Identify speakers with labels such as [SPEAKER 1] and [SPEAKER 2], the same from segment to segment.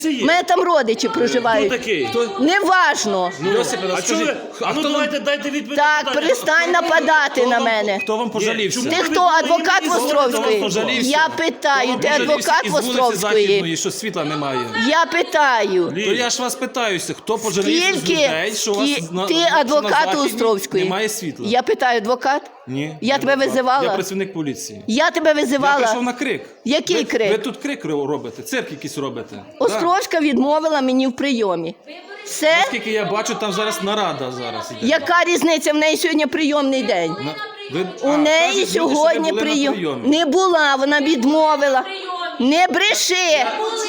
[SPEAKER 1] У мене там родичі проживають.
[SPEAKER 2] Хто такий?
[SPEAKER 1] Неважно.
[SPEAKER 2] А чого ви? А ну давайте дайте відповідь.
[SPEAKER 1] Так, перестань нападати на мене.
[SPEAKER 3] Хто вам пожалівся?
[SPEAKER 1] Ти хто, адвокат Востровської? Я питаю, ти адвокат Востровської?
[SPEAKER 3] Що світла немає.
[SPEAKER 1] Я питаю.
[SPEAKER 3] То я ж вас питаюся, хто пожалівся з людей, що у вас
[SPEAKER 1] Ти адвокат Островської?
[SPEAKER 3] немає світла?
[SPEAKER 1] Я питаю, адвокат?
[SPEAKER 3] Ні.
[SPEAKER 1] Я тебе визивала?
[SPEAKER 3] Я працівник поліції.
[SPEAKER 1] Я тебе
[SPEAKER 3] Я
[SPEAKER 1] визивала?
[SPEAKER 3] прийшов на крик.
[SPEAKER 1] Який крик?
[SPEAKER 3] Ви тут крик робите, цирк якийсь робите.
[SPEAKER 1] Островська відмовила мені в прийомі. Все?
[SPEAKER 3] Наскільки я бачу, там зараз нарада зараз іде.
[SPEAKER 1] Яка різниця? В неї сьогодні прийомний день. У неї сьогодні прийом. Не була, вона відмовила. Не бреши!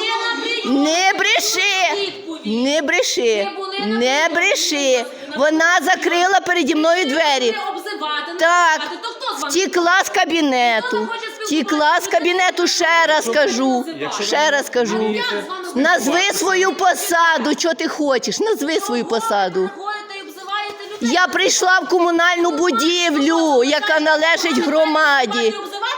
[SPEAKER 1] Не бреши! Не бреши! Не бреши! Вона закрила переді мною двері. Так, втікла з кабінету. Втікла з кабінету, ще раз кажу. Ще раз кажу. Назви свою посаду, що ти хочеш. Назви свою посаду. Я прийшла в комунальну будівлю, яка належить громаді.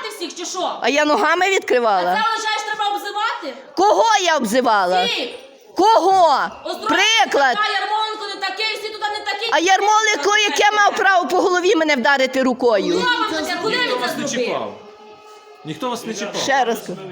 [SPEAKER 1] А я ногами відкривала?
[SPEAKER 4] Це вважаєш, треба обзивати?
[SPEAKER 1] Кого я обзивала?
[SPEAKER 4] Всіх.
[SPEAKER 1] Кого? Приклад.
[SPEAKER 4] А Ярмоленко не такий, всі туди не такі.
[SPEAKER 1] А Ярмоленко, яке мав право по голові мене вдарити рукою?
[SPEAKER 4] Куди
[SPEAKER 3] Ніхто
[SPEAKER 4] він
[SPEAKER 3] вас
[SPEAKER 4] це
[SPEAKER 3] не
[SPEAKER 4] зробив?
[SPEAKER 3] чіпав. Ніхто вас не чіпав.
[SPEAKER 1] Ще раз кажу.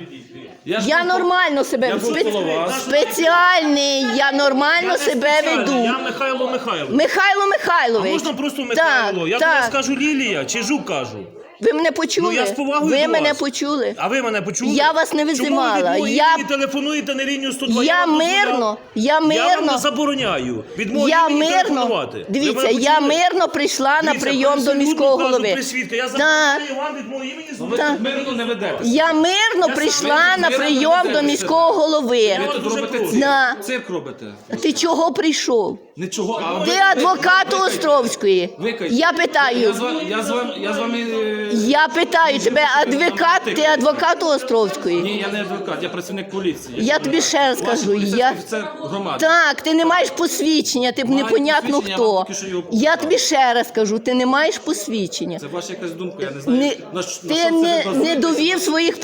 [SPEAKER 1] Я нормально себе
[SPEAKER 3] Я був коло вас.
[SPEAKER 1] спеціальний, я нормально себе веду.
[SPEAKER 2] Я Михайло Михайлович.
[SPEAKER 1] Михайло Михайлович.
[SPEAKER 2] А можна просто Михайло? Я до вас кажу Лілія чи Жук кажу.
[SPEAKER 1] Ви мене почули?
[SPEAKER 2] Ну, я з повагою
[SPEAKER 1] Ви
[SPEAKER 2] до
[SPEAKER 1] мене
[SPEAKER 2] вас.
[SPEAKER 1] почули?
[SPEAKER 2] А ви мене почули?
[SPEAKER 1] Я вас не визивала.
[SPEAKER 2] Чому ви
[SPEAKER 1] Я-
[SPEAKER 2] мені телефонуєте на лінію 102?
[SPEAKER 1] Я
[SPEAKER 2] вам дозволяв.
[SPEAKER 1] мирно, я
[SPEAKER 2] Я вам не
[SPEAKER 1] мирно.
[SPEAKER 2] забороняю.
[SPEAKER 1] Я
[SPEAKER 2] мені
[SPEAKER 1] мирно,
[SPEAKER 2] телефонувати. Ви
[SPEAKER 1] дивіться,
[SPEAKER 2] мене
[SPEAKER 1] я
[SPEAKER 2] почули?
[SPEAKER 1] мирно прийшла на
[SPEAKER 2] Дивіться,
[SPEAKER 1] прийом до
[SPEAKER 2] присягну,
[SPEAKER 1] міського
[SPEAKER 2] кажу,
[SPEAKER 1] голови.
[SPEAKER 2] при свідка. Я
[SPEAKER 1] Так.
[SPEAKER 2] забороняю вам від мого імені
[SPEAKER 3] Ви
[SPEAKER 1] Так.
[SPEAKER 3] тут мирно не ведете.
[SPEAKER 1] Я мирно прийшла на прийом до міського голови.
[SPEAKER 3] Ви тут
[SPEAKER 2] дуже
[SPEAKER 3] робите
[SPEAKER 2] прошу.
[SPEAKER 3] цирк.
[SPEAKER 1] Да.
[SPEAKER 3] Цирк робите.
[SPEAKER 1] Ти чого прийшов?
[SPEAKER 3] Нічого. А
[SPEAKER 1] Ти
[SPEAKER 3] ви-
[SPEAKER 1] адвокат Островської.
[SPEAKER 3] ви кажете.
[SPEAKER 1] Я питаю.
[SPEAKER 3] Я з вами...
[SPEAKER 1] Я питаю тебе, адвокат, ти адвокат Островської?
[SPEAKER 3] Ні, я не адвокат, я працівник поліції.
[SPEAKER 1] Я тобі ще раз
[SPEAKER 3] Ваш
[SPEAKER 1] кажу,
[SPEAKER 3] поліцейський
[SPEAKER 1] я...
[SPEAKER 3] офіцер громади.
[SPEAKER 1] Так, ти не маєш посвідчення, ти
[SPEAKER 3] Маю
[SPEAKER 1] непонятно
[SPEAKER 3] посвідчення, я
[SPEAKER 1] хто.
[SPEAKER 3] вам тільки що його
[SPEAKER 1] Я
[SPEAKER 3] показав.
[SPEAKER 1] тобі ще раз кажу, ти не маєш посвідчення.
[SPEAKER 3] Це ваша якась думка, я не знаю.
[SPEAKER 1] Не,
[SPEAKER 3] на що
[SPEAKER 1] ти
[SPEAKER 3] це
[SPEAKER 1] не
[SPEAKER 3] базуєтеся?
[SPEAKER 1] довів своїх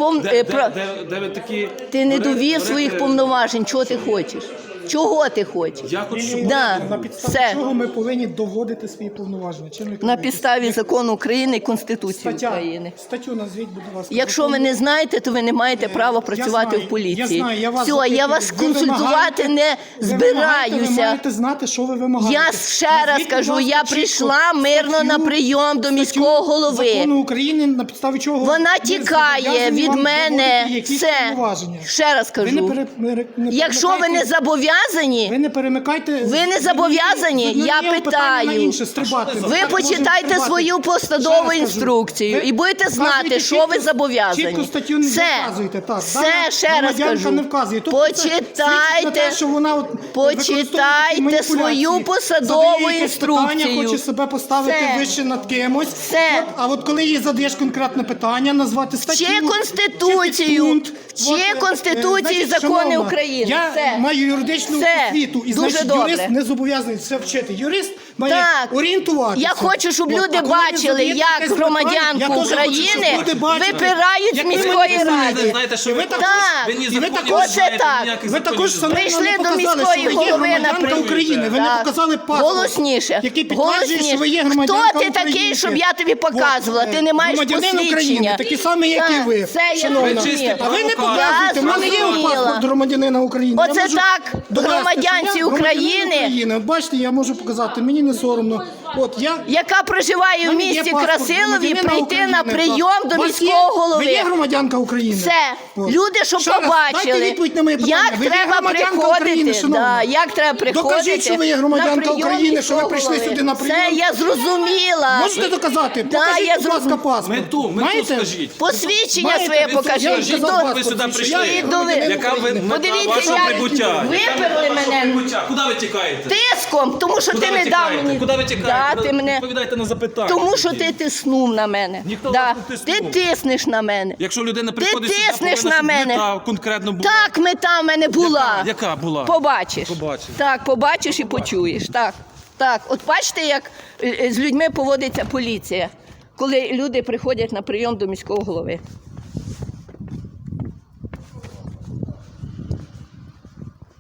[SPEAKER 3] Де ви такі...
[SPEAKER 1] ти не довів
[SPEAKER 3] берете-
[SPEAKER 1] своїх повноважень. Чого ти хочеш? Чого ти хочеш?
[SPEAKER 3] Я хочу, щоб...
[SPEAKER 1] Да,
[SPEAKER 5] На підставі
[SPEAKER 1] все.
[SPEAKER 5] чого ми повинні доводити свої повноваження? Чим ви
[SPEAKER 1] На
[SPEAKER 5] керуєтесь?
[SPEAKER 1] підставі закону України і Конституції
[SPEAKER 5] Стаття.
[SPEAKER 1] України.
[SPEAKER 5] Статтю назвіть, будь ласка.
[SPEAKER 1] Якщо ви не знаєте, то ви не маєте права працювати
[SPEAKER 5] знаю,
[SPEAKER 1] в поліції.
[SPEAKER 5] я знаю, я вас
[SPEAKER 1] Все,
[SPEAKER 5] запитую.
[SPEAKER 1] я вас
[SPEAKER 5] Ви
[SPEAKER 1] консультувати
[SPEAKER 5] вимагаєте-
[SPEAKER 1] не
[SPEAKER 5] Ви
[SPEAKER 1] збираюся.
[SPEAKER 5] маєте знати, що ви вимагаєте.
[SPEAKER 1] Я ще раз
[SPEAKER 5] Назвіть, будь
[SPEAKER 1] кажу,
[SPEAKER 5] ласка,
[SPEAKER 1] я
[SPEAKER 5] чітко
[SPEAKER 1] прийшла мирно
[SPEAKER 5] статтю-
[SPEAKER 1] на прийом до
[SPEAKER 5] статтю
[SPEAKER 1] міського голови.
[SPEAKER 5] Закону України, на підставі чого
[SPEAKER 1] Вона
[SPEAKER 5] ми
[SPEAKER 1] тікає
[SPEAKER 5] зобов'язані
[SPEAKER 1] від
[SPEAKER 5] вам
[SPEAKER 1] мене.
[SPEAKER 5] доводити якісь
[SPEAKER 1] Все.
[SPEAKER 5] повноваження.
[SPEAKER 1] Ще раз
[SPEAKER 5] Ви
[SPEAKER 1] кажу. Якщо ви не зобов'язані,
[SPEAKER 5] ви не перемикайте.
[SPEAKER 1] Ви не зобов'язані? Я питаю. ви почитайте свою посадову інструкцію і будете знати, що ви зобов'язані.
[SPEAKER 5] Чітко статтю не
[SPEAKER 1] Все.
[SPEAKER 5] вказуєте. Так.
[SPEAKER 1] Все,
[SPEAKER 5] Дана
[SPEAKER 1] ще раз
[SPEAKER 5] громадянка
[SPEAKER 1] кажу.
[SPEAKER 5] не вказує. Тобто це свідчить на
[SPEAKER 1] Почитайте,
[SPEAKER 5] те, що вона от використовує такі маніпуляції.
[SPEAKER 1] свою посадову
[SPEAKER 5] Задає якесь питання,
[SPEAKER 1] інструкцію.
[SPEAKER 5] хоче себе поставити
[SPEAKER 1] Все.
[SPEAKER 5] вище над кимось.
[SPEAKER 1] Все.
[SPEAKER 5] А от коли їй задаєш конкретне питання, назвати статтю,
[SPEAKER 1] Чи Конституцію,
[SPEAKER 5] підпункт,
[SPEAKER 1] чи Конституцію і
[SPEAKER 5] значить,
[SPEAKER 1] закони
[SPEAKER 5] шановна,
[SPEAKER 1] України.
[SPEAKER 5] Я
[SPEAKER 1] Все.
[SPEAKER 5] маю юридичну
[SPEAKER 1] Все.
[SPEAKER 5] освіту, і
[SPEAKER 1] Дуже
[SPEAKER 5] значить
[SPEAKER 1] добре.
[SPEAKER 5] юрист не зобов'язаний це вчити. Юрист має
[SPEAKER 1] Так.
[SPEAKER 5] орієнтуватися.
[SPEAKER 1] Я хочу, щоб
[SPEAKER 5] От,
[SPEAKER 1] люди
[SPEAKER 5] а коли ви
[SPEAKER 1] бачили,
[SPEAKER 5] задаєте
[SPEAKER 1] як
[SPEAKER 5] якесь
[SPEAKER 1] громадянку
[SPEAKER 5] питання, я теж хочу,
[SPEAKER 1] України
[SPEAKER 5] щоб люди бачили,
[SPEAKER 1] випирають з
[SPEAKER 5] як ви
[SPEAKER 1] міської
[SPEAKER 5] маніпулюєте.
[SPEAKER 1] ради.
[SPEAKER 3] знаєте, що ви
[SPEAKER 5] Так.
[SPEAKER 3] ви ні
[SPEAKER 5] І ви
[SPEAKER 3] законів
[SPEAKER 5] також
[SPEAKER 3] не
[SPEAKER 1] це
[SPEAKER 3] знаєте,
[SPEAKER 1] так.
[SPEAKER 3] ніяких
[SPEAKER 5] Ви
[SPEAKER 3] законів
[SPEAKER 5] також
[SPEAKER 3] не
[SPEAKER 5] самі
[SPEAKER 3] знаєте.
[SPEAKER 1] Прийшли
[SPEAKER 5] нам
[SPEAKER 1] до
[SPEAKER 5] показали,
[SPEAKER 1] міської
[SPEAKER 5] що ви є
[SPEAKER 1] голови на
[SPEAKER 5] громадянка
[SPEAKER 1] прийом.
[SPEAKER 5] України. Ви не
[SPEAKER 1] Так.
[SPEAKER 5] показали паспорт,
[SPEAKER 1] Голосніше.
[SPEAKER 5] який підтверджує, що ви є
[SPEAKER 1] Хто
[SPEAKER 5] громадянка
[SPEAKER 1] ти такий,
[SPEAKER 5] України.
[SPEAKER 1] щоб я тобі показувала?
[SPEAKER 5] От,
[SPEAKER 1] Ти не маєш
[SPEAKER 5] громадянин України,
[SPEAKER 1] посвідчення.
[SPEAKER 5] такий самий, як і
[SPEAKER 1] Так,
[SPEAKER 5] ви.
[SPEAKER 1] Це я
[SPEAKER 5] шановна.
[SPEAKER 3] Ви чистий
[SPEAKER 1] зрозуміла.
[SPEAKER 5] А ви не
[SPEAKER 3] провокатор.
[SPEAKER 5] показуєте, в мене є
[SPEAKER 1] зрозуміла.
[SPEAKER 5] паспорт громадянина України. Я
[SPEAKER 1] Оце
[SPEAKER 5] можу
[SPEAKER 1] так,
[SPEAKER 5] довести,
[SPEAKER 1] громадянці
[SPEAKER 5] що я громадянин
[SPEAKER 1] України.
[SPEAKER 5] От бачите, я можу показати, мені не соромно. От я...
[SPEAKER 1] Яка проживає в
[SPEAKER 5] мене є
[SPEAKER 1] місті
[SPEAKER 5] паспорт
[SPEAKER 1] Красилові,
[SPEAKER 5] громадянина
[SPEAKER 1] прийти
[SPEAKER 5] України,
[SPEAKER 1] на
[SPEAKER 5] так.
[SPEAKER 1] прийом до
[SPEAKER 5] У вас
[SPEAKER 1] міського
[SPEAKER 5] Ви
[SPEAKER 1] голови.
[SPEAKER 5] є громадянка України?
[SPEAKER 1] Все.
[SPEAKER 5] От.
[SPEAKER 1] Люди, щоб
[SPEAKER 5] Ще раз,
[SPEAKER 1] побачили,
[SPEAKER 5] дайте відповідь на моє питання.
[SPEAKER 1] як
[SPEAKER 5] Ви є
[SPEAKER 1] треба
[SPEAKER 5] громадянка України,
[SPEAKER 1] приходити.
[SPEAKER 5] шановна?
[SPEAKER 1] Як треба приходити.
[SPEAKER 5] Докажіть, що ви є громадянка
[SPEAKER 1] на прийом
[SPEAKER 5] України, що ви
[SPEAKER 1] міського
[SPEAKER 5] прийшли
[SPEAKER 1] голови.
[SPEAKER 5] сюди на прийом.
[SPEAKER 1] Це я зрозуміла.
[SPEAKER 5] Можете доказати?
[SPEAKER 1] Да,
[SPEAKER 5] Покажіть,
[SPEAKER 1] я
[SPEAKER 5] будь ласка,
[SPEAKER 1] зрозуміла.
[SPEAKER 5] паспорт.
[SPEAKER 3] Мету
[SPEAKER 5] Маєте?
[SPEAKER 3] скажіть.
[SPEAKER 1] Посвідчення
[SPEAKER 5] Маєте?
[SPEAKER 1] своє
[SPEAKER 5] Ви
[SPEAKER 1] покажіть.
[SPEAKER 5] скажіть,
[SPEAKER 1] І до-
[SPEAKER 5] паспорт
[SPEAKER 3] ви сюди
[SPEAKER 5] посвідчення.
[SPEAKER 3] прийшли?
[SPEAKER 5] Я є
[SPEAKER 1] І до-
[SPEAKER 5] громадянин
[SPEAKER 3] Яка ви
[SPEAKER 5] України.
[SPEAKER 1] Подивіться,
[SPEAKER 3] ваше
[SPEAKER 1] як
[SPEAKER 3] прибуття?
[SPEAKER 1] виперли мене
[SPEAKER 3] Куди ви тікаєте?
[SPEAKER 1] тиском, тому що
[SPEAKER 3] Куди
[SPEAKER 1] ти
[SPEAKER 3] ви
[SPEAKER 1] не дав
[SPEAKER 3] тікаєте?
[SPEAKER 1] мені.
[SPEAKER 3] Куди ви тікаєте?
[SPEAKER 1] Да, ти мене...
[SPEAKER 3] Відповідайте на запитання.
[SPEAKER 1] Тому що ти тиснув на мене.
[SPEAKER 3] Ніхто
[SPEAKER 1] Да.
[SPEAKER 3] вас не тиснув.
[SPEAKER 1] Ти тиснеш на мене.
[SPEAKER 3] Якщо людина
[SPEAKER 1] Ти
[SPEAKER 3] приходить сюди,
[SPEAKER 1] тиснеш
[SPEAKER 3] повинна,
[SPEAKER 1] на
[SPEAKER 3] щоб
[SPEAKER 1] мене.
[SPEAKER 3] мета конкретно була.
[SPEAKER 1] Так, мета в мене була.
[SPEAKER 3] Яка була?
[SPEAKER 1] Побачиш.
[SPEAKER 3] Побачиш.
[SPEAKER 1] Так, побачиш і почуєш. Так. Так, от бачите, як з людьми поводиться поліція, коли люди приходять на прийом до міського голови.